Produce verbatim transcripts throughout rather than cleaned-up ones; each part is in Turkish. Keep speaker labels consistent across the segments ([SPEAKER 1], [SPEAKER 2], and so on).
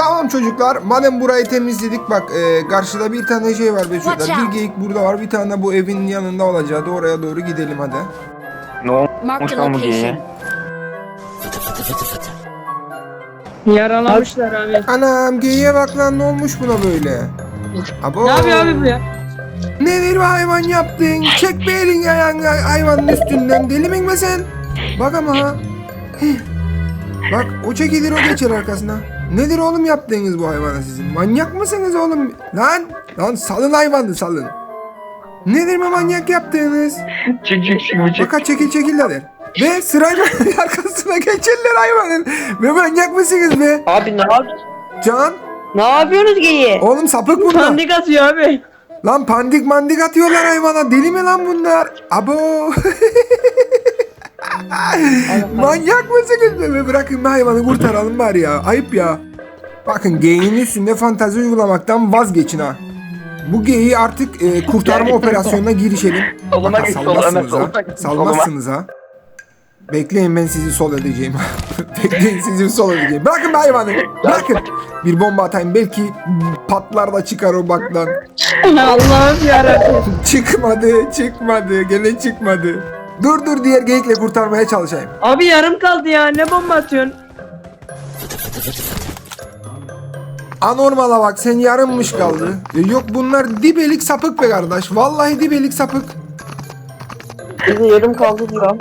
[SPEAKER 1] Tamam çocuklar, madem burayı temizledik, bak e, karşıda bir tane şey var be şurada.
[SPEAKER 2] Watch
[SPEAKER 1] Bir
[SPEAKER 2] out.
[SPEAKER 1] geyik burada var, bir tane de bu evin yanında olacaktı. Oraya doğru gidelim hadi.
[SPEAKER 3] Ne
[SPEAKER 2] Marked
[SPEAKER 3] olmuş
[SPEAKER 2] a
[SPEAKER 3] lan bu
[SPEAKER 2] location.
[SPEAKER 3] geyiğe?
[SPEAKER 4] Yaralamışlar abi.
[SPEAKER 1] Anam, geyiğe bak lan, ne olmuş buna böyle? Abo.
[SPEAKER 4] Ne yapıyor abi bu ya?
[SPEAKER 1] Nedir bu hayvan yaptın? Çek bir elin ayağını hayvanın üstünden, deli miyim be sen? Bak ama ha. Hih. Bak, o çekilir, o geçer arkasına. Nedir oğlum yaptığınız bu hayvana sizin? Manyak mısınız oğlum? Lan! Lan salın hayvanı, salın. Nedir bu manyak yaptığınız?
[SPEAKER 3] Çık çık çık bu çık.
[SPEAKER 1] Baka çekil çekil der. Ve sırayla arkasına geçerler hayvanın. Ve manyak mısınız be?
[SPEAKER 4] Abi ne yapıyorsunuz?
[SPEAKER 1] Can,
[SPEAKER 4] Ne yapıyorsunuz geyi?
[SPEAKER 1] oğlum sapık bunlar.
[SPEAKER 4] Pandik atıyor abi.
[SPEAKER 1] Lan pandik mandik atıyorlar hayvana. Deli mi lan bunlar? Abo. Manyak mısınız be? Be? Bırakın bir hayvanı kurtaralım bari ya. Ayıp ya. Bakın, geyiğin üstünde fantezi uygulamaktan vazgeçin ha. Bu geyiği artık e, kurtarma operasyonuna girişelim.
[SPEAKER 3] Soluma
[SPEAKER 1] Bak,
[SPEAKER 3] git, sol,
[SPEAKER 1] salmazsınız
[SPEAKER 3] Ömer,
[SPEAKER 1] ha.
[SPEAKER 3] soluma git,
[SPEAKER 1] Salmazsınız ha. Bekleyin, ben sizi sol edeceğim. Bekleyin, sizi sol edeceğim. Bırakın be hayvanı. Bırakın. Bir bomba atayım, belki patlar da çıkar o baktan.
[SPEAKER 4] Allah'ım yarabbim.
[SPEAKER 1] Çıkmadı, çıkmadı. Gene çıkmadı. Dur dur, diğer geyikle kurtarmaya çalışayım.
[SPEAKER 4] Abi yarım kaldı ya. Ne bomba atıyorsun?
[SPEAKER 1] Anormala bak, sen yarımmış kaldı. E, yok, bunlar dibelik sapık be kardeş. Vallahi dibelik sapık.
[SPEAKER 4] Bize yarım kaldı diyor.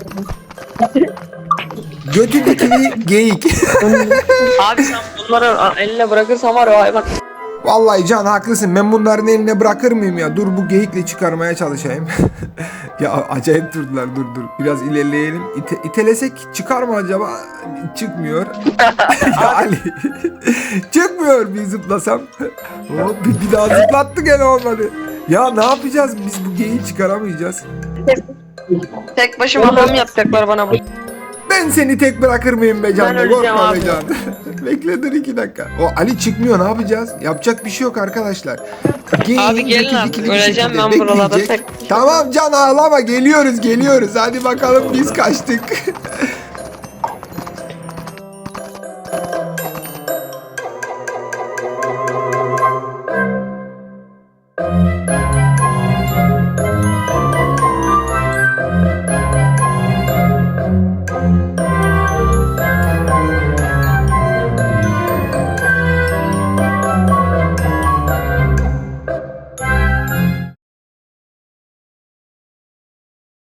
[SPEAKER 1] Götü dikili geyik.
[SPEAKER 4] Abi sen bunları eline bırakırsan var ya hayvan.
[SPEAKER 1] Vallahi Can, haklısın. Ben bunların eline bırakır mıyım ya? Dur, bu geyikle çıkarmaya çalışayım. Ya acayip durdular. Dur dur. Biraz ilerleyelim. İte, itelesek çıkar mı acaba? Çıkmıyor. Ya Ali. Çıkmıyor, bir zıplasam. Hop, bir, bir daha zıplattı, gene olmadı. Ya ne yapacağız? Biz bu geyiği çıkaramayacağız.
[SPEAKER 4] Tek başıma adam yapacaklar bana bu.
[SPEAKER 1] Ben seni tek bırakır mıyım be Can?
[SPEAKER 4] Ben öleceğim
[SPEAKER 1] Korkma be
[SPEAKER 4] abi.
[SPEAKER 1] Can. Bekle dur iki dakika. O Ali çıkmıyor, ne yapacağız? Yapacak bir şey yok arkadaşlar. Geyiğin
[SPEAKER 4] Abi gelin
[SPEAKER 1] götü
[SPEAKER 4] abi,
[SPEAKER 1] dikili bir
[SPEAKER 4] öleceğim
[SPEAKER 1] şekilde
[SPEAKER 4] ben buralarda
[SPEAKER 1] bekleyecek.
[SPEAKER 4] tek-
[SPEAKER 1] Tamam Can, ağlama, geliyoruz geliyoruz. Hadi bakalım, biz kaçtık.